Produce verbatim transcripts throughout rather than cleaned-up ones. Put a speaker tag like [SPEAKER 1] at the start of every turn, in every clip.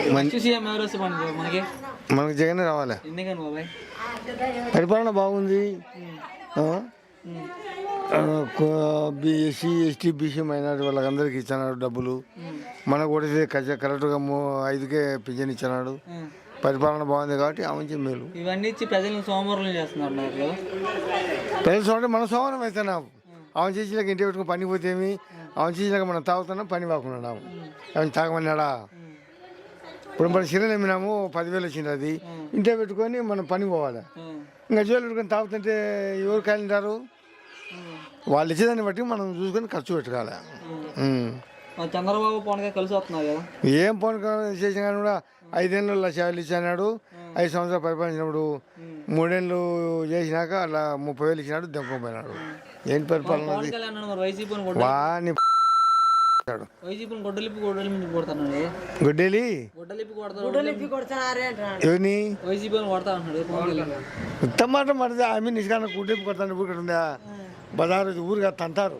[SPEAKER 1] మనకు జగన్ రావాలి. పరిపాలన బాగుంది. ఎస్సీ ఎస్టీ బీసీ మైనార్టీ వాళ్ళకందరికి ఇచ్చినాడు డబ్బులు. మనకు కూడా కరెక్ట్గా ఐదుకే పింఛన్ ఇచ్చినాడు. పరిపాలన బాగుంది కాబట్టి ఆమె మేలు.
[SPEAKER 2] ఇవన్నీ ఇచ్చి ప్రజలను సోమవారం చేస్తున్నారు.
[SPEAKER 1] ప్రజలు సోమవారం మన సోమవారం అవుతున్నాం. ఆమె చేసినాక ఇంటి పెట్టుకుని పని పోతేమి, ఆమె చేసినాక మనం తాగుతున్నాం, పని వాకున్నాము. ఆమె తాగమన్నాడా? ఇప్పుడు మనం సిరలు అమ్మినాము, పదివేలు వచ్చింది. అది ఇంటే పెట్టుకొని మనం పని పోవాలి. ఇంకా జోలు పెట్టుకొని తాగుతుంటే ఎవరు కాలింటారు? వాళ్ళు ఇచ్చేదాన్ని బట్టి మనం చూసుకొని ఖర్చు పెట్టుకోవాలి.
[SPEAKER 2] చంద్రబాబు పవన్ కలిసి వస్తున్నారు కదా.
[SPEAKER 1] ఏం పవన్ చేసిన కానీ కూడా ఐదేళ్ళు లక్ష యాభై ఇచ్చినాడు. ఐదు సంవత్సరాలు పరిపాలించినప్పుడు మూడేళ్ళు చేసినాక అలా ముప్పై వేలు ఇచ్చినాడు, దెంకపోయినాడు. ఏంటి పరిపాలన? వాని గుడ్డేలి ఎవరిని ఉత్తమాట మరిది ఆమె నిష్కాన గుడ్డెప్పు కొడతాను. ఊరు ఉందా బజారు ఊరుగా తంటారు.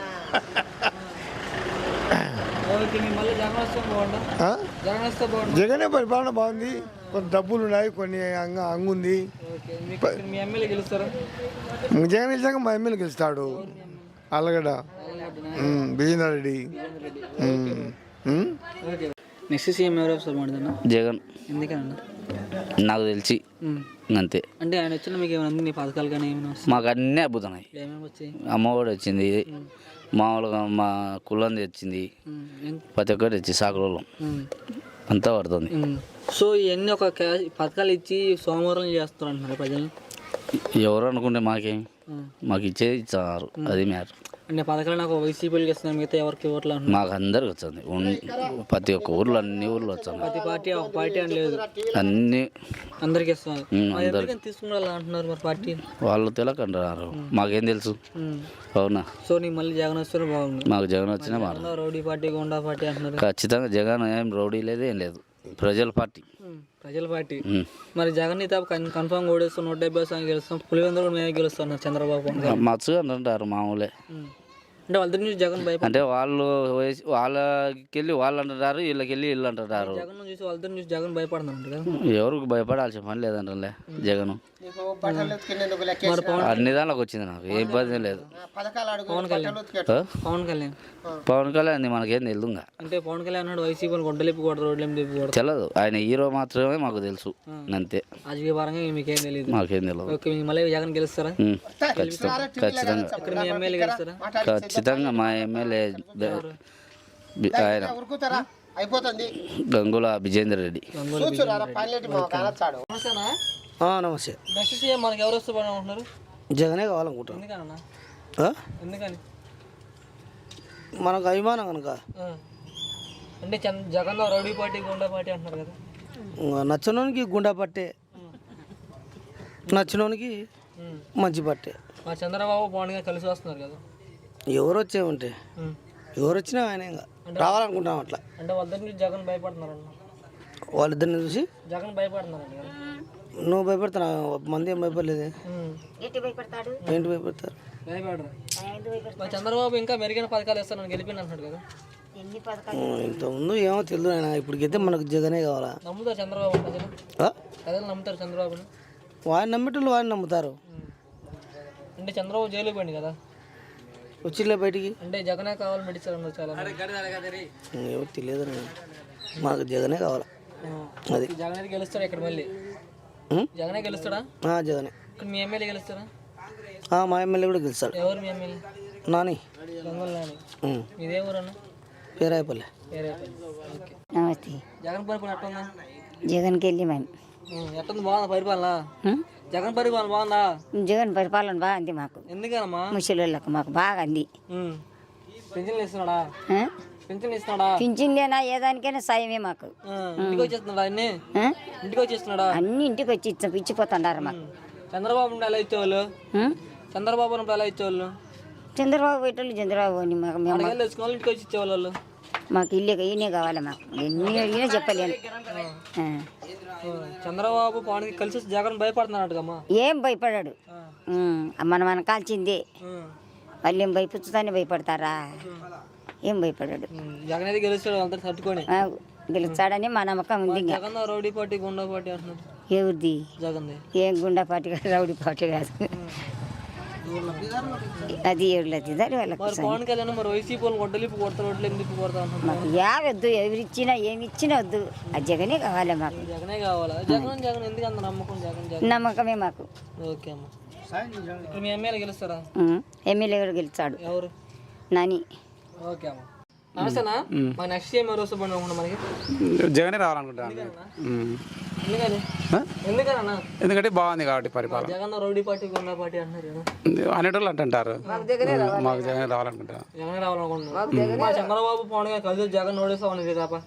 [SPEAKER 1] జగనే పరిపాలన బాగుంది. కొన్ని డబ్బులు ఉన్నాయి, కొన్ని అంగ అంగుంది. జగన్ గెలిచాక మా ఎమ్మెల్యే గెలుస్తాడు. అల్లగడ్డ విజేందర్ రెడ్డి.
[SPEAKER 2] నెక్స్ట్ సీఎం ఎవరు?
[SPEAKER 3] జగన్.
[SPEAKER 2] ఎందుకన్నా?
[SPEAKER 3] నాకు తెలిసి అంతే.
[SPEAKER 2] అంటే ఆయన వచ్చిన మీకు ఏమైనా నీ పథకాలు కానీ ఏమైనా?
[SPEAKER 3] మాకు అన్నీ అద్భుతన్నాయి. అమ్మఒడి వచ్చింది, మామూలుగా మా కులంది వచ్చింది, ప్రతి ఒక్కటి వచ్చి సాకులలో అంతా పడుతుంది.
[SPEAKER 2] సో ఇవన్నీ ఒక పథకాలు ఇచ్చి సోమవారం చేస్తారు అంటున్నారు ప్రజలు.
[SPEAKER 3] ఎవరు అనుకుంటే మాకేం, మాకు ఇచ్చేది ఇచ్చారు. అది మ్యాటర్.
[SPEAKER 2] అంటే పథకాలు నాకు వైసీపీకి ఇస్తున్నాను, మిగతా ఎవరికి ఓట్లు అంటున్నారు?
[SPEAKER 3] మాకు అందరికి వచ్చింది. ప్రతి ఒక్క ఊర్లో అన్ని ఊర్లో వచ్చాను.
[SPEAKER 2] ప్రతి పార్టీ ఒక పార్టీ అని లేదు,
[SPEAKER 3] అన్ని
[SPEAKER 2] అందరికి ఇస్తున్నారు. తీసుకున్నారు అంటున్నారు మరి పార్టీ
[SPEAKER 3] వాళ్ళు తెలియకంటున్నారు. మాకేం తెలుసు? అవునా?
[SPEAKER 2] సో నీకు మళ్ళీ జగన్ వస్తే బాగుంది.
[SPEAKER 3] మాకు జగన్ వచ్చినా బాగుంది.
[SPEAKER 2] రౌడీ పార్టీ, గుండా పార్టీ అంటున్నారు.
[SPEAKER 3] ఖచ్చితంగా జగన్ ఏం రౌడీ లేదు, ఏం లేదు. ప్రజల పార్టీ.
[SPEAKER 2] ప్రజల పార్టీ. మరి జగన్ నీ తాపు కన్ఫర్మ్ ఓడిస్తాం, నూట డెబ్బై సార్లు గెలుస్తాం, పులివెందులు కూడా మేమే గెలుస్తాం చంద్రబాబు.
[SPEAKER 3] మచ్చుగా అంటారు మామూలే.
[SPEAKER 2] అంటే వాళ్ళ నుంచి జగన్ భయపడి,
[SPEAKER 3] అంటే వాళ్ళు వాళ్ళకెళ్ళి వాళ్ళు అంటారు, వీళ్ళకెళ్ళి వీళ్ళు అంటారు.
[SPEAKER 2] జగన్ చూసి వాళ్ళ నుంచి జగన్ భయపడుతున్నారు కదా.
[SPEAKER 3] ఎవరికి భయపడాల్సిన పని లేదంటే జగన్ అన్ని దానిలోకి వచ్చింది. నాకు ఏ ఇబ్బంది లేదు.
[SPEAKER 2] పవన్ కళ్యాణ్ పవన్ కళ్యాణ్
[SPEAKER 3] పవన్ కళ్యాణ్ మనకేం తెలుదు.
[SPEAKER 2] అంటే పవన్ కళ్యాణ్ అన్నాడు వైసీపీ గొడ్డలిప్పి కొడతారు, రోడ్లు
[SPEAKER 3] తెలియదు. ఆయన హీరో మాత్రమే మాకు తెలుసు, అంతే.
[SPEAKER 2] రాజకీయ పరంగా మీకేం తెలియదు.
[SPEAKER 3] మాకేం తెలియదు.
[SPEAKER 2] ఓకే, మళ్ళీ జగన్ గెలుస్తారా?
[SPEAKER 3] ఖచ్చితంగా ఖచ్చితంగా
[SPEAKER 2] ఎమ్మెల్యే గెలుస్తారా?
[SPEAKER 3] ఖచ్చితంగా మా ఎమ్మెల్యే ఆయన గంగుల విజేందర్ రెడ్డి.
[SPEAKER 2] నమస్తే. నెక్స్ట్ సీఎం మనకి ఎవరు వస్తే బాగుంటున్నారు?
[SPEAKER 4] జగనే కావాలనుకుంటున్నాను.
[SPEAKER 2] ఎందుకన్నా? ఎందుకని?
[SPEAKER 4] మనకు అభిమానం కనుక.
[SPEAKER 2] అంటే Jagan rowdy party, goonda party అంటున్నారు కదా.
[SPEAKER 4] నచ్చినోనికి గుండా పట్టే, నచ్చినోనికి మంచి పట్టే.
[SPEAKER 2] మా చంద్రబాబు పవన్ గారు కలిసి వస్తున్నారు కదా.
[SPEAKER 4] ఎవరు వచ్చే ఉంటే ఎవరు వచ్చినా ఆయన ఇంకా రావాలనుకుంటాం అట్లా.
[SPEAKER 2] అంటే వాళ్ళిద్దరిని చూసి జగన్ భయపడుతున్నారు అన్న.
[SPEAKER 4] వాళ్ళిద్దరిని చూసి
[SPEAKER 2] జగన్ భయపడుతున్నారు.
[SPEAKER 4] నువ్వు భయపడుతున్నా, మంది ఏం భయపడలేదు. ఏంటి భయపడతారు?
[SPEAKER 2] భయపడరు. చంద్రబాబు ఇంకా మెరుగైన పథకాలు ఇస్తాను గెలిపిన అంటున్నాడు కదా.
[SPEAKER 4] ఇంతకుముందు ఏమో తెలియదు ఆయన, ఇప్పటికైతే మనకు జగనే కావాలా.
[SPEAKER 2] నమ్ముతారు చంద్రబాబు ప్రజలు? ప్రజలు నమ్ముతారు చంద్రబాబుని?
[SPEAKER 4] వాడిని నమ్మేటోళ్ళు వాడిని నమ్ముతారు.
[SPEAKER 2] అంటే చంద్రబాబు జైలుకి పోయింది కదా,
[SPEAKER 4] వచ్చిలే బయటికి.
[SPEAKER 2] అంటే జగనే కావాలి మెడిసిన్ చాలా
[SPEAKER 4] ఏమో తెలియదు. మాకు జగనే కావాలా. అది
[SPEAKER 2] జగన్ గెలుస్తాడా ఇక్కడ? మళ్ళీ జగనే గెలుస్తాడా?
[SPEAKER 4] జగనే.
[SPEAKER 2] ఇక్కడ మీ ఎమ్మెల్యే గెలుస్తాడా?
[SPEAKER 4] మా ఎమ్మెల్యే కూడా గెలుస్తాడు.
[SPEAKER 2] ఎవరు మీ ఎమ్మెల్యే?
[SPEAKER 4] నాని.
[SPEAKER 2] గంగుల నాని. ఇదే ఊరు అన్న?
[SPEAKER 4] పేరాయపల్లి.
[SPEAKER 5] నమస్తే.
[SPEAKER 2] జగన్ పరిపాలన ఎట్టుందా?
[SPEAKER 5] జగన్కి వెళ్ళి మేము
[SPEAKER 2] ఎట్టుంది? బాగుందా పరిపాలన? జగన్ పరిపాలన బాగుందా?
[SPEAKER 5] జగన్ పరిపాలన బాగుంది మాకు.
[SPEAKER 2] ఎందుకనమ్మా?
[SPEAKER 5] ముసలిళ్ళకు మాకు బాగా అంది.
[SPEAKER 2] పింఛన్లు ఇస్తున్నాడా? పింఛన్లు ఇస్తున్నాడా?
[SPEAKER 5] పింఛన్లేనా ఏదానికైనా సాయమే మాకు.
[SPEAKER 2] ఇంటికి వచ్చేస్తున్నాడా? అన్ని ఇంటికి వచ్చేస్తున్నాడా?
[SPEAKER 5] అన్ని ఇంటికి వచ్చి ఇచ్చి ఇచ్చిపోతున్నారు మాకు.
[SPEAKER 2] చంద్రబాబు నుండి ఎలా ఇచ్చేవాళ్ళు? చంద్రబాబు నుండి ఎలా ఇచ్చేవాళ్ళు?
[SPEAKER 5] చంద్రబాబు పెట్టాలి. చంద్రబాబు అని మాకు
[SPEAKER 2] ఇంటికి వచ్చి ఇచ్చేవాళ్ళు.
[SPEAKER 5] మాకు ఇల్లు ఈయనే కావాలి. మాకు ఎన్ని అడిగినా చెప్పలేను.
[SPEAKER 2] చంద్రబాబు పవన్ కలిసి జగన్ భయపడుతున్నాడు.
[SPEAKER 5] ఏం భయపడాడు? మన మన కాల్చిందే. వాళ్ళు ఏం భయపుచ్చుతానే భయపడతారా? ఏం భయపడాడు.
[SPEAKER 2] జగన్ అయితే గెలుస్తాడు అందరు తట్టుకొని.
[SPEAKER 5] గెలుస్తాడని మా నమ్మకం ఉంది ఇంకా.
[SPEAKER 2] Jagan rowdy party goonda party అంటున్నారు.
[SPEAKER 5] ఎవరిది?
[SPEAKER 2] జగన్ది.
[SPEAKER 5] ఏం గుండా పార్టీ కాదు, రౌడీ పార్టీ కాదు, అది ఎవరిది దాని వాళ్ళకి.
[SPEAKER 2] మరి పవన్ కళ్యాణ్ మరి వైసీపీ వాళ్ళు గొడ్డలిపి కొడతారు, రోడ్లు ఎందుకు కొడతా అంటున్నారు.
[SPEAKER 5] మాకు యావద్దు, ఎవరిచ్చినా ఏమి ఇచ్చినా వద్దు, ఆ జగనే కావాలి మాకు.
[SPEAKER 2] జగనే కావాలా? జగన్ జగన్ ఎందుకు అంత నమ్మకం? జగన్ జగన్
[SPEAKER 5] నమ్మకమే మాకు.
[SPEAKER 2] ఓకే అమ్మ. ఇప్పుడు మీ ఎమ్మెల్యే గెలుస్తారా?
[SPEAKER 5] ఉం. ఎమ్మెల్యే కూడా గెలిచాడు
[SPEAKER 2] ఎవరు?
[SPEAKER 5] నాని.
[SPEAKER 2] ఓకే అమ్మ. నమస్తేనా? మా నెక్స్ట్ ఏం ఎవరు వస్తే పండుగ మనకి?
[SPEAKER 6] జగనే రావాలనుకుంటాను.
[SPEAKER 2] ఎందుకని? ఎందుకన్నా?
[SPEAKER 6] ఎందుకంటే బాగుంది కాబట్టి పరిపాలన.
[SPEAKER 2] Jagan rowdy party goonda party అంటున్నారు కదా.
[SPEAKER 6] అనేటోళ్ళు అంటుంటారు. మాకు జగనే రావాలనుకుంటా.
[SPEAKER 2] జగన్ రావాలనుకుంటున్నారు. మా చంద్రబాబు పవన్ గారు కలిసి జగన్ ఓడిస్తామని తప్ప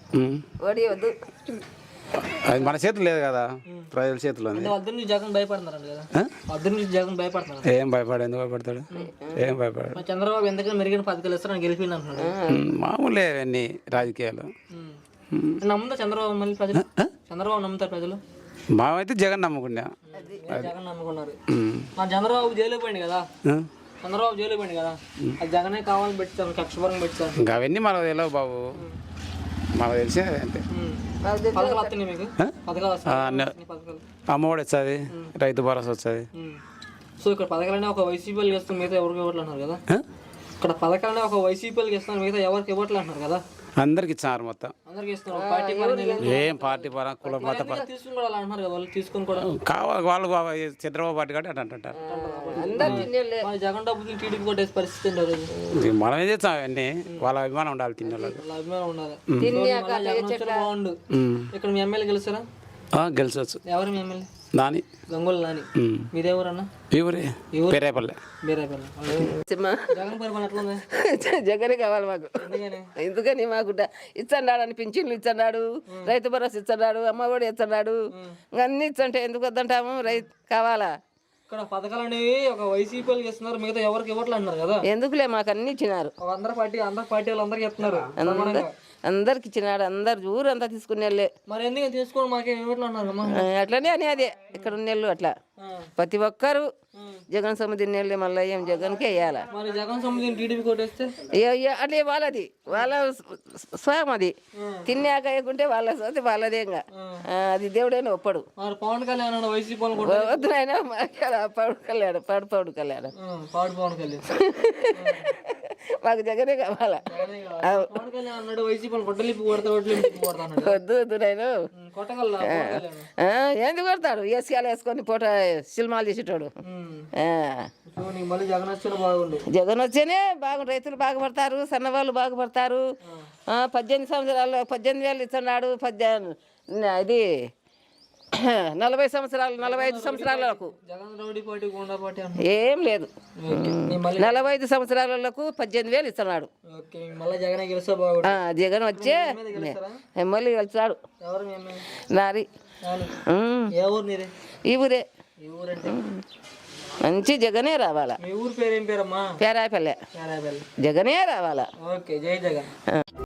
[SPEAKER 6] అది మన చేతులు లేదు కదా, ప్రజల చేతిలో ఉంది.
[SPEAKER 2] వద్దు నుంచి జగన్ భయపడుతున్నారండి కదా. వద్దు నుంచి జగన్ భయపడుతున్నారు.
[SPEAKER 6] ఏం భయపడు, ఎందుకు భయపడతాడు? ఏం భయపడాడు.
[SPEAKER 2] మా చంద్రబాబు ఎందుకని మెరుగైన పథకాలు ఇస్తారని గెలిపిండి అంటున్నాడు.
[SPEAKER 6] మామూలే అవన్నీ రాజకీయాలు.
[SPEAKER 2] నమ్ముతా చంద్రబాబు మళ్ళీ ప్రజలు? చంద్రబాబు నమ్ముతారు ప్రజలు?
[SPEAKER 6] మామైతే జగన్ నమ్ముకున్నా.
[SPEAKER 2] జగన్ నమ్ముకున్నారు. మా చంద్రబాబు జైలు పోయింది కదా. చంద్రబాబు జైలు పోయింది కదా, అది జగనే కావాలని పెట్టారు, కక్షపరం పెట్టారు.
[SPEAKER 6] ఇంకా అవన్నీ మనకు తెలియవు బాబు, మనకు తెలిసే అంతే.
[SPEAKER 2] పథకాలు వస్తున్నాయి మీకు? పథకాలు వస్తాయి. పథకాలు
[SPEAKER 6] అమ్మఒడి వస్తుంది, రైతు భరోసా వస్తుంది.
[SPEAKER 2] సో ఇక్కడ పథకాలనే ఒక వైసీపీలు ఇస్తాం, మిగతా ఎవరికి ఇవ్వట్లు అంటున్నారు కదా. ఇక్కడ పథకాలనే ఒక వైసీపీలకు ఇస్తాను, మిగతా ఎవరికి ఇవ్వట్లు అంటున్నారు కదా.
[SPEAKER 6] అందరికి ఇచ్చినారు మొత్తం.
[SPEAKER 2] అందరికి ఇస్తున్నారు. పార్టీ పరంగా
[SPEAKER 6] ఏం పార్టీ పరం కుల మత పరం
[SPEAKER 2] తీసుకుని కూడా అలా అంటున్నారు కదా. వాళ్ళు తీసుకుని కూడా
[SPEAKER 6] కావాలి, వాళ్ళు చంద్రబాబు పార్టీ కాబట్టి అట్లా అంటారు.
[SPEAKER 2] మరి జగన్ డబ్బులు టీడీపీ కొట్టేసి పరిస్థితి ఉండదు.
[SPEAKER 6] మనం ఏం చేస్తాం అవన్నీ, వాళ్ళ అభిమానం ఉండాలి తిన్న వాళ్ళకి.
[SPEAKER 2] వాళ్ళ అభిమానం ఉండాలి. జగన్ వస్తే బాగుండు. ఇక్కడ మీ ఎమ్మెల్యే గెలుస్తారా?
[SPEAKER 6] గెలిచవచ్చు.
[SPEAKER 2] ఎవరు మీ ఎమ్మెల్యే?
[SPEAKER 6] నాని,
[SPEAKER 2] గంగోలు నాని. మీదేవరన్నా?
[SPEAKER 6] ఈ ఊరే పేరేపల్లె.
[SPEAKER 2] బీరాపల్లి. జగన్ పరిపాలన ఎట్లా ఉంది?
[SPEAKER 7] జగనే కావాలి మాకు.
[SPEAKER 2] ఎందుకని?
[SPEAKER 7] ఎందుకని మాకు ఇచ్చన్నాడు అని పింఛన్లు ఇచ్చన్నాడు, రైతు భరోసా ఇచ్చన్నాడు, అమ్మ ఒడి ఇచ్చన్నాడు, అన్ని ఇచ్చంటే ఎందుకు వద్దంటాము? రైతు కావాలా?
[SPEAKER 2] ఇక్కడ పథకాలు అనేవి ఒక వైసీపీలకు ఇస్తున్నారు, మిగతా ఎవరికి ఇవ్వట్లు అంటున్నారు కదా.
[SPEAKER 7] ఎందుకులే మాకు అన్ని ఇచ్చినారు.
[SPEAKER 2] అందరు పార్టీ అందరు పార్టీ వాళ్ళు అందరికి ఇస్తున్నారు.
[SPEAKER 7] అందరికి ఇచ్చినాడు, అందరు ఊరంతా తీసుకునే వాళ్ళే.
[SPEAKER 2] మరి ఎందుకు తీసుకోండి మాకేం ఇవ్వట్లు అన్నారు.
[SPEAKER 7] అట్లనే అని అదే ఇక్కడ ఉన్నెళ్ళు అట్లా ప్రతి ఒక్కరు జగన్ సమితి నెల్లి మళ్ళీ ఏం జగన్కే వేయాలా.
[SPEAKER 2] మరి జగన్ సమితిని టీడీపీ కొట్టేస్తే
[SPEAKER 7] అట్లే వాళ్ళది, వాళ్ళ స్వయం అది. తిన్నాక వేయకుంటే వాళ్ళ సోతి వాళ్ళదే. ఇంకా అది దేవుడైనా ఒప్పడు.
[SPEAKER 2] మరి పవన్ కళ్యాణ్ వైసీపీ
[SPEAKER 7] వద్దు నాయన పవన్ కళ్యాణ్ పాడు పవన్ కళ్యాణ్
[SPEAKER 2] పాడు పవన్ కళ్యాణ్
[SPEAKER 7] మాకు జగనే కావాలా.
[SPEAKER 2] పవన్ కళ్యాణ్ అన్నాడు వైసీపీ కొట్టలిపి కొడతా
[SPEAKER 7] వద్దు వద్దు నాయన
[SPEAKER 2] కొట్టగల.
[SPEAKER 7] ఎందుకు కొడతాడు? ఏసీఆలు వేసుకొని పూట సినిమాలు చేసేటోడు.
[SPEAKER 2] మళ్ళీ జగన్ వచ్చిన బాగుండు.
[SPEAKER 7] జగన్ వచ్చేనే బాగుండు, రైతులు బాగుపడతారు, సన్నవాళ్ళు బాగుపడతారు. పద్దెనిమిది సంవత్సరాలు పద్దెనిమిది వేలు ఇస్తున్నాడు. పద్దెనిమిది ఇది నలభై సంవత్సరాలు నలభై ఐదు సంవత్సరాలకు ఏం లేదు. నలభై ఐదు సంవత్సరాలకు పద్దెనిమిది వేలు ఇస్తున్నాడు. జగన్ వచ్చే మళ్ళీ వెళ్తాడు. నారి ఈ ఊరే. మంచి జగనే రావాలా. పేరాపల్లె. జగనే రావాలా.